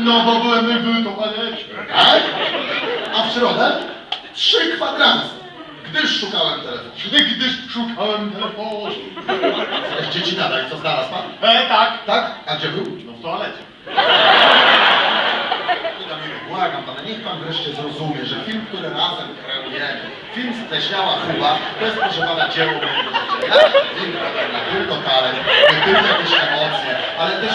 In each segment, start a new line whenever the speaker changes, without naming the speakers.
No bo byłem w toalecie.
Tak? A w środę 3 kwadranse. Gdyż szukałem telefonu.
Gdyż szukałem telefonu.
Dzieci nadal, co znalazł pan?
Tak.
Tak? A gdzie był?
No w toalecie.
Błagam pana, niech pan wreszcie zrozumie, że film, który razem kreujemy, film Steśniała Kuba, to jest proszę pana dzieło mojego życia. Ja ten film robię na tylko talent, nie tylko jakieś emocje, ale też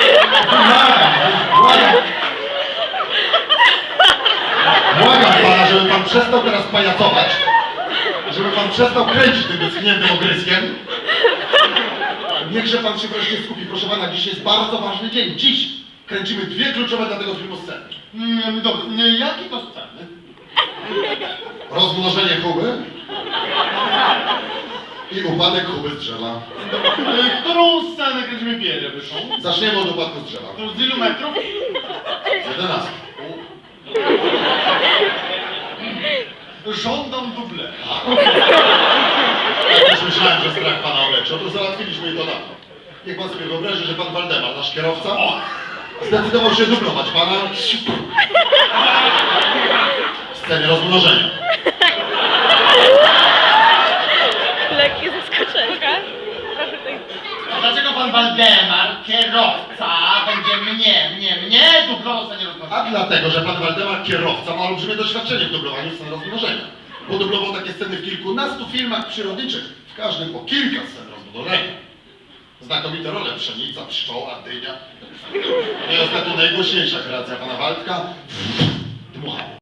błagam pana, żeby pan przestał teraz pajacować, żeby pan przestał kręcić tym wyschniętym ogryskiem. Niechże pan się wreszcie skupi, proszę pana, dziś jest bardzo ważny dzień. Dziś kręcimy 2 kluczowe dla tego filmu sceny.
Dobrze, jakie to sceny?
Rozmnożenie Kuby i upadek Kuby z drzewa.
Którą scenę kręcimy pierwszą?
Zaczniemy od upadku z drzewa.
To z ilu metrów?
Z 11.
Żądam dublera.
Ja też myślałem, że strach pana oleczy. Otóż załatwiliśmy to dawno. Niech pan sobie wyobrazi, że pan Waldemar, nasz kierowca, zdecydował się dublować pana w scenie rozmnożenia.
Lekkie zaskoczenie.
A dlaczego pan Waldemar, kierowca, będzie mnie dublował w scenie rozmnożenia?
A dlatego, że pan Waldemar, kierowca, ma olbrzymie doświadczenie w dublowaniu scen rozmnożenia. Bo dublował takie sceny w kilkunastu filmach przyrodniczych, w każdym po kilka scen rozmnożenia. Znakomite role: pszenica, pszczoła, dynia. No i ostatnio najgłośniejsza kreacja pana Waldka, dmuchanie.